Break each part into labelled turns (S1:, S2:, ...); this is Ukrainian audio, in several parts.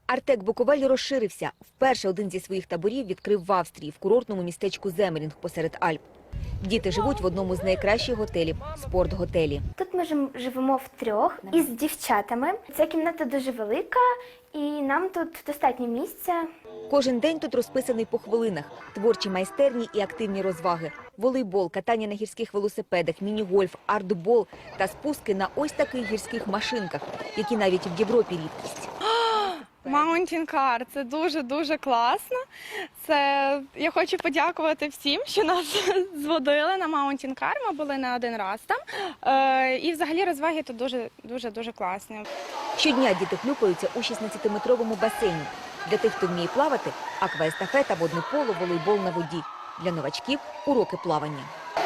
S1: Артек Буковель розширився. Вперше один зі своїх таборів відкрив в Австрії, в курортному містечку Земерінг посеред Альп. Діти живуть в одному з найкращих готелів – спортготелі.
S2: Тут ми живемо втрьох із дівчатами. Ця кімната дуже велика і нам тут достатньо місця.
S1: Кожен день тут розписаний по хвилинах. Творчі майстерні і активні розваги. Волейбол, катання на гірських велосипедах, міні-гольф, артбол та спуски на ось таких гірських машинках, які навіть в Європі рідкість.
S3: Mountain Car – це дуже-дуже класно. Я хочу подякувати всім, що нас зводили на Mountain Car. Ми були не один раз там. І взагалі розваги тут дуже класні.
S1: Щодня діти хлюпаються у 16-метровому басейні. Для тих, хто вміє плавати – акваестафета, водне поло, волейбол на воді. Для новачків – уроки плавання.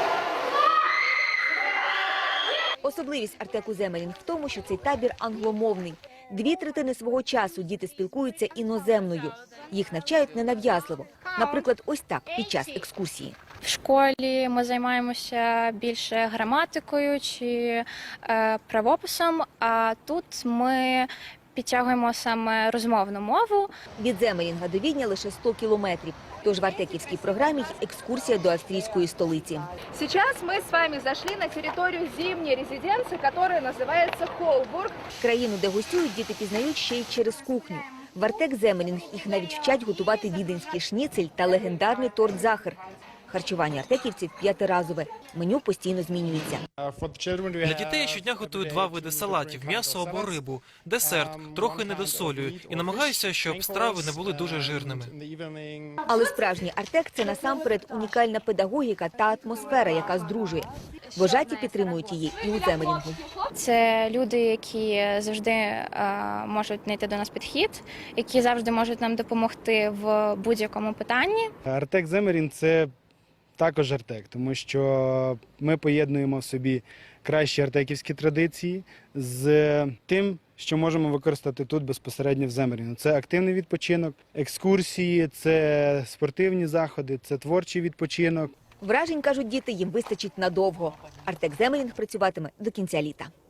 S1: Особливість Артеку Земерінг в тому, що цей табір англомовний. 2/3 свого часу діти спілкуються іноземною. Їх навчають ненав'язливо. Наприклад, ось так, під час екскурсії.
S4: В школі ми займаємося більше граматикою чи правописом, а тут ми підтягуємо саме розмовну мову.
S1: Від Земерінга до Відня лише 100 кілометрів. Тож в артеківській програмі є екскурсія до австрійської столиці.
S5: Сейчас мы с вами зашли на территорию зимней резиденции, которая называется Холбург.
S1: Країну, де гостюють, діти пізнають ще й через кухню. В Артек Земерінг їх навіть вчать готувати віденський шніцель та легендарний торт «Захар». Харчування артеківців п'ятиразове. Меню постійно змінюється.
S6: Для дітей щодня готую 2 види салатів – м'ясо або рибу, десерт, трохи недосолюю і намагаюся, щоб страви не були дуже жирними.
S1: Але справжній Артек – це насамперед унікальна педагогіка та атмосфера, яка здружує. Вожаті підтримують її і у Земерінгу.
S4: Це люди, які завжди можуть знайти до нас підхід, які завжди можуть нам допомогти в будь-якому питанні.
S7: Артек Земерінг – це також Артек, тому що ми поєднуємо в собі кращі артеківські традиції з тим, що можемо використати тут безпосередньо в Земерінгу. Це активний відпочинок, екскурсії, це спортивні заходи, це творчий відпочинок.
S1: Вражень, кажуть діти, їм вистачить надовго. Артек Земерінг працюватиме до кінця літа.